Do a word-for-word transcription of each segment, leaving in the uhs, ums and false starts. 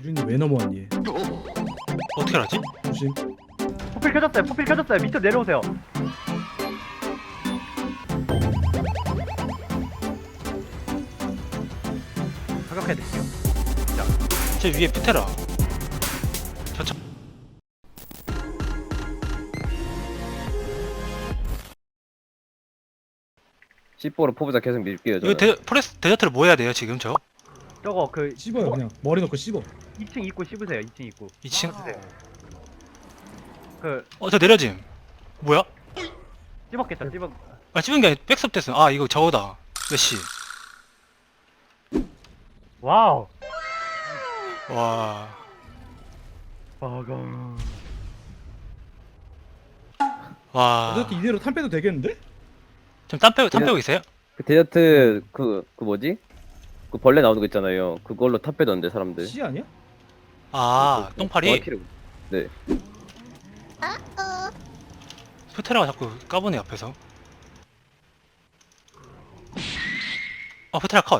유린이 왜 넘어왔니? 어떻게 알았지? 조심. 포필 켜졌어요. 포필 켜졌어요. 밑으로 내려오세요. 사격해드릴게요. 제 위에 푸테라. 저차. 씨포로 포부자 계속 밀게요. 이거 저는. 데, 포레스 데저트를 뭐 해야 돼요 지금 저? 저거 그 씹어요 그냥. 머리 넣고 씹어. 이 층 입구 씹으세요. 이 층 입구. 이 층? 그 어 저 내려짐. 뭐야? 씹었겠죠. 씹었. 아 찝은 게 아니라 백섭 됐어. 아 이거 저거다. 메시. 와우. 와. 아가. 와. 이렇게 이대로 탄 빼도 되겠는데? 지금 땀 빼고 땀 빼고 있어요? 그 데저트 그 그 뭐지? 그 벌레 나오는 거 있잖아요. 그걸로 탑 빼던데 사람들. 씨 아니야? 아 그- 똥파리? 정확히는- 네. 푸테라가 자꾸 까보네 앞에서. 어 푸테라 컷.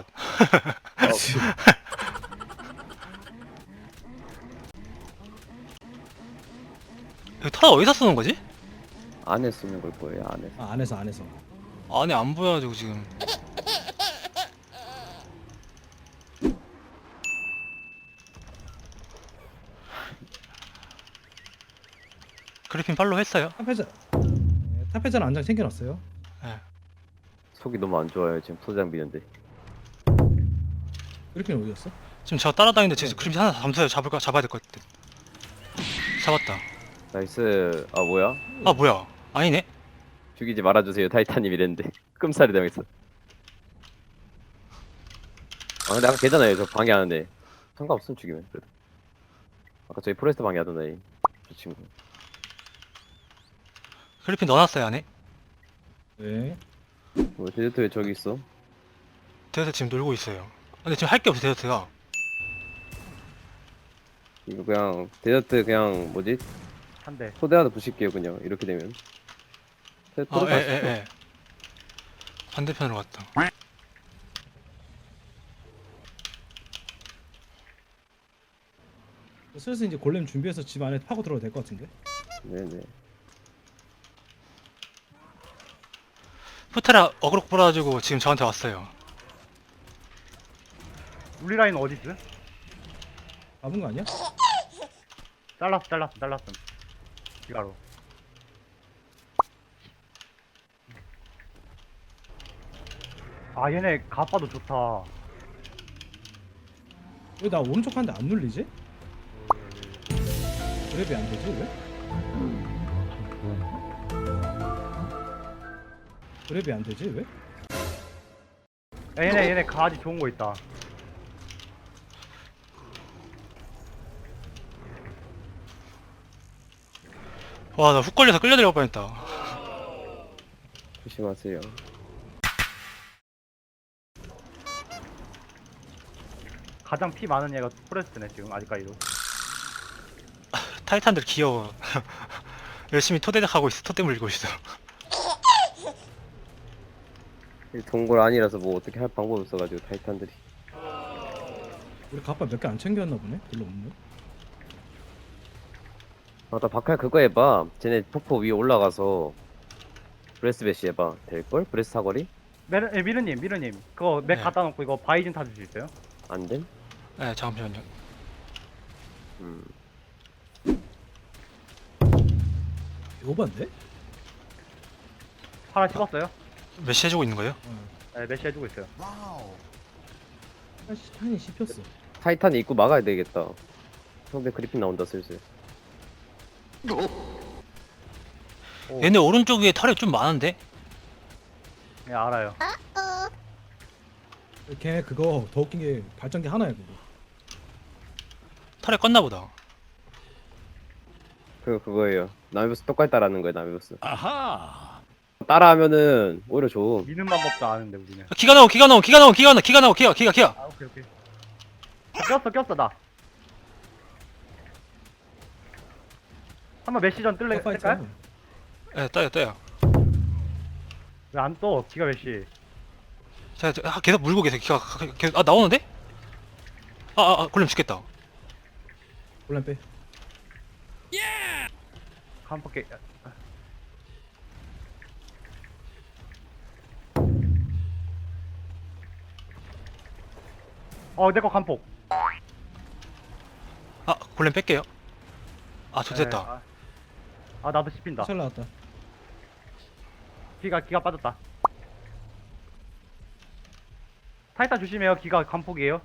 이거 터라 어디서 쓰는 거지? 안에 쓰는 걸 거예요. 안에. 아 안에서 안에서. 안에 안 보여가지고 지금. 그리핀 팔로우 했어요? 탄 패자. 네, 탄 패자는 안장 챙겨놨어요. 예. 속이 너무 안 좋아요. 지금 소장 비는데. 그리핀 어디였어? 지금 저 따라다니는데 지금 그림자 하나 잠수해 잡을까 잡아야 될 것 같아. 잡았다. 나이스. 아 뭐야? 아 뭐야? 아니네. 죽이지 말아주세요. 타이탄님 이랬는데 끔살이 당했어. 아 근데 아까 걔잖아요. 저 방해하는데 상관없음 죽이면 그래도. 아까 저희 포레스트 방해하던 애. 저 친구. 그리핀 넣어놨어요 안에. 네. 뭐 데저트 왜 저기 있어? 데저트 지금 놀고 있어요. 근데 지금 할 게 없어 데저트가. 이거 그냥 데저트 그냥 뭐지? 한 대. 소대 하나 부실게요 그냥 이렇게 되면. 아 예예 예. 반대편으로 갔다. 슬슬 이제 골렘 준비해서 집 안에 파고 들어도 될 것 같은데? 네네. 푸테라 어그로 뿌려가지고 지금 저한테 왔어요. 우리 라인 어디 있어? 잡은 거 아니야? 잘랐어. 잘랐어. 잘랐어. 기가로. 아 얘네 가빠도 좋다. 왜 나 오른쪽 하는데 안 눌리지? 그랩이 안 되지 왜? 그랩이 안 되지 왜? 야, 얘네 얘네 가지 좋은 거 있다. 와 나 훅 걸려서 끌려들어갈 뻔했다. 조심하세요. 가장 피 많은 얘가 포레스트네 지금 아직까지도. 타이탄들 귀여워. 열심히 토대작 하고 있어. 토대 물리고 있어. 이 동굴 아니라서 뭐 어떻게 할 방법이 없어가지고 타이탄들이. 우리 가빠 몇 개 안 챙겨왔나 보네? 별로 없네. 아나 박할 그거 해봐. 쟤네 폭포 위에 올라가서 브레스 배시 해봐. 될걸? 브레스 사거리? 메르, 예, 미르님 미르님 그거 맥 네. 갖다 놓고 이거 바위 좀 타줄 수 있어요? 안 됨? 네 잠시만요. 음. 오반데? 파라 씹었어요? 메시 해주고 있는 거예요? 네 메시 해주고 있어요. 아씨 탄이 씹혔어. 타이탄 입구 막아야 되겠다. 상대 그리핀 나온다 슬슬. 오, 얘네 오른쪽 위에 털이 좀 많은데? 네 알아요. 걔 그거 더 웃긴 게 발전기 하나야 그거. 털에 껐나 보다. 그 그거예요. 나미버스 똑같이 따라하는 거야 나미버스. 아하. 따라하면은 오히려 좋음. 미는 방법도 아는데 우리는. 기가 나오 기가 나오 기가 나오 기가 나오 기가 나오 기가 기가 기가. 아 오케이 오케이. 꼈어 꼈어 나. 한번 메시전 뜰래 가빠 뜰까요? 있잖아. 예 떠요 떠요. 왜 안 떠? 기가 메시. 자 저- 아, 계속 물고 계세요. 기가 가- 계속 아 나오는데? 아아 아, 골렘 죽겠다. 혼란 빼. 간폭 깨. 어, 내 거 간폭. 아 골렘 뺄게요. 아 네, 좋됐다. 아, 아 나도 씹힌다. 잘 나왔다. 기가 기가 빠졌다. 타이탄 조심해요. 기가 간폭이에요.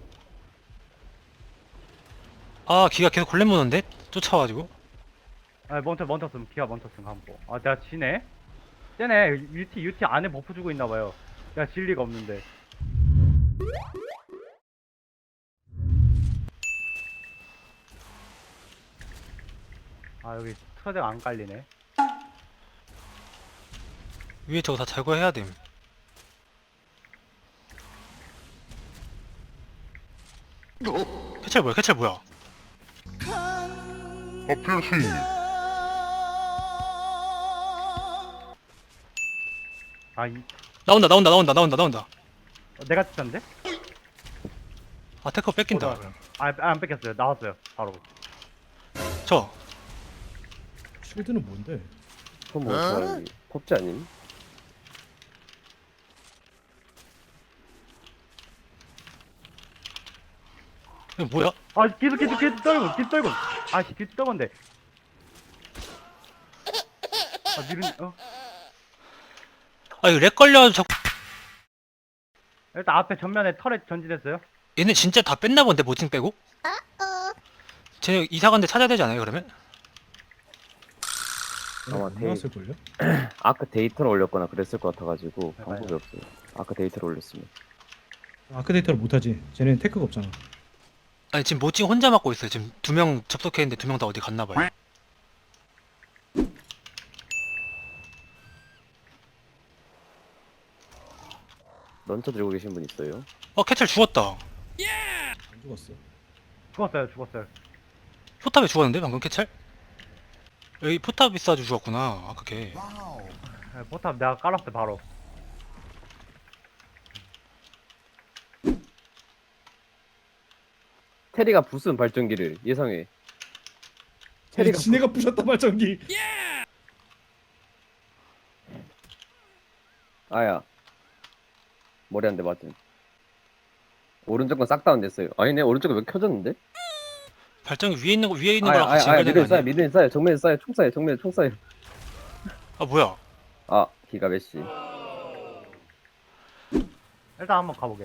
아 기가 계속 골렘 무는데 쫓아와가지고. 아, 멈춰 멈췄음. 기가 멈췄음 간폭. 아, 내가 지네. 쟤네 유티 유티 안에 버프 주고 있나 봐요. 내가 질 리가 없는데. 아, 여기 트레드가 안 깔리네. 위에 저거 다 제거해야 됨. 캐찰 뭐야? 캐찰 뭐야? 아, 이, 나온다 나온다 나온다 나온다 나온다. 어, 내가 찍혔는데? 아 테커 뺏긴다. 어, 그럼. 아, 아, 안 뺏겼어요. 나왔어요. 바로. 저 쉴드는 뭔데? 그건 뭐 저기 펍지 아님? 이거 뭐야? 아, 계속 계속 계속 떨고 계속 떨고. 아, 씨, 계속 떨건데. 아, 미른 어. 아 이거 렉 걸려. 저 일단 앞에 전면에 터렛 전진했어요. 얘네 진짜 다 뺐나 본데 모팅 빼고? 쟤네 이사 간데 찾아야 되지 않아요 그러면? 아마 안 데이- 나왔을걸요? 아까 데이터를 올렸거나 그랬을 것 같아가지고 네, 방법이 없어요. 아까 데이터를 올렸으면. 아크 데이터를 못하지. 쟤네는 테크가 없잖아. 아니 지금 모팅 혼자 맡고 있어요. 지금 두 명 접속했는데 두 명 다 어디 갔나 봐요. 런처 들고 계신 분 있어요? 어 캐찰 죽었다. 안 죽었어. 죽었어요, 죽었어요. 포탑에 죽었는데 방금 캐찰? 여기 포탑 있어가지고 죽었구나. 아까 걔. 네, 포탑 내가 깔았어요, 바로. 테리가 부순 발전기를 예상해. 쟤네 테리가 지네가 부셨다 발전기. 아야 머리 한 대 맞은. 오른쪽 건 싹 다운됐어요. 아니네 오른쪽은 왜 켜졌는데? 발전기 위에 있는 거 위에 있는 아야 거랑 아야 같이 아야 연결된 거 미드에 쏴요 아니야? 미드에 쏴요 정면에 쏴요 총 쏴요 정면에 총 쏴요. 아 뭐야? 아 기가 메시. 일단 한번 가보게.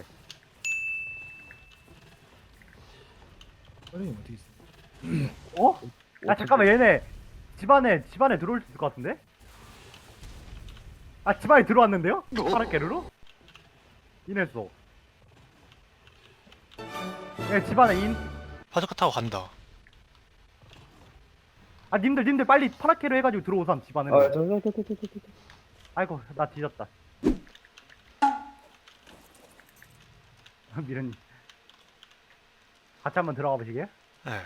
아니 어디 있어? 어? 아, 잠깐만, 얘네 집안에 집안에 들어올 수 있을 것 같은데? 아, 집안에 들어왔는데요? 파란깨르로? 인했어. 예, 집안에 인. 파주카 타고 간다. 아, 님들 님들 빨리 파랗게로 해가지고 들어오삼 집안에. 아저저저저저저 아이고, 나 뒤졌다. 미련님 같이 한번 들어가 보시게요? 네.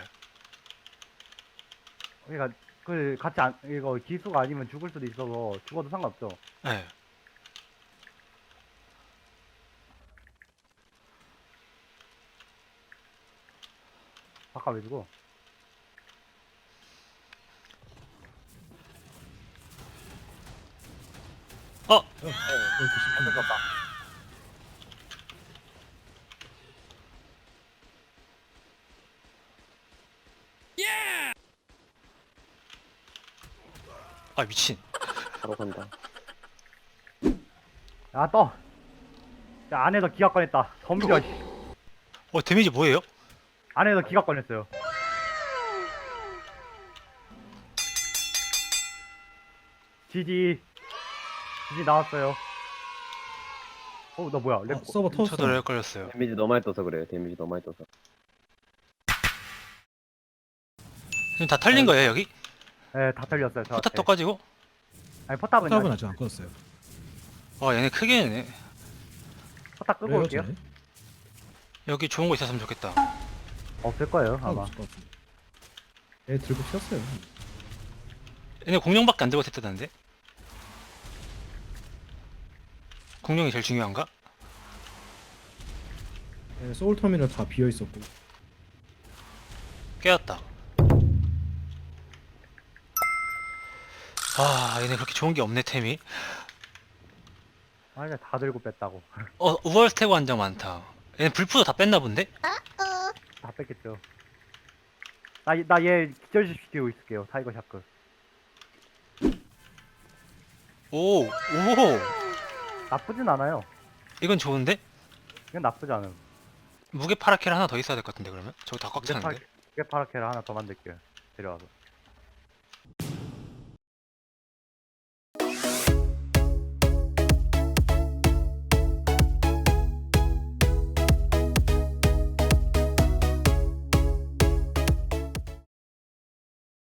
그러니까 그 같이 안 이거 기수가 아니면 죽을 수도 있어서 죽어도 상관없죠. 네. 바꿔 왜 주고? 어 어, 이렇게 싶은데. 아 미친. 바로 간다. 야, 떠. 야, 안에서 기가 꺼냈다. 덤벼. 씨. 어 데미지 뭐예요? 안에서 기가 꺼냈어요. 지지. 지지 나왔어요. 어, 나 뭐야? 렉. 아, 서버 터졌어. 저도 렉 걸렸어요. 데미지 너무 많이 떠서 그래요. 데미지 너무 많이 떠서. 지금 다 털린 거예요 여기? 네, 다 털렸어요. 저한테. 포탑 떠가지고? 아니, 포탑은 포탑은 아직 아직 안 껐어요. 와 얘네 크게 내네. 포탑 끄고 왜요, 올게요. 쟤네? 여기 좋은 거 있었으면 좋겠다. 없을 거예요, 아, 아마. 없을 것 같은데. 얘 들고 튀었어요. 얘네 공룡밖에 안 들고 됐다는데? 공룡이 제일 중요한가? 얘 소울 터미널 다 비어 있었고. 깨웠다. 아 얘네 그렇게 좋은 게 없네 템이. 아, 이제 다 들고 뺐다고. 어 우월 스태그 한장 많다. 얘네 불프도 다 뺐나 본데? 다 뺐겠죠. 나, 나 얘 기절시키고 있을게요. 타이거 샤크. 오, 오, 나쁘진 않아요. 이건 좋은데? 이건 나쁘지 않음. 무게 파라켈 하나 더 있어야 될 것 같은데 그러면? 저거 다 꽉 이게 파, 차는데? 이게 파라케를 하나 더 만들게요. 데려와서.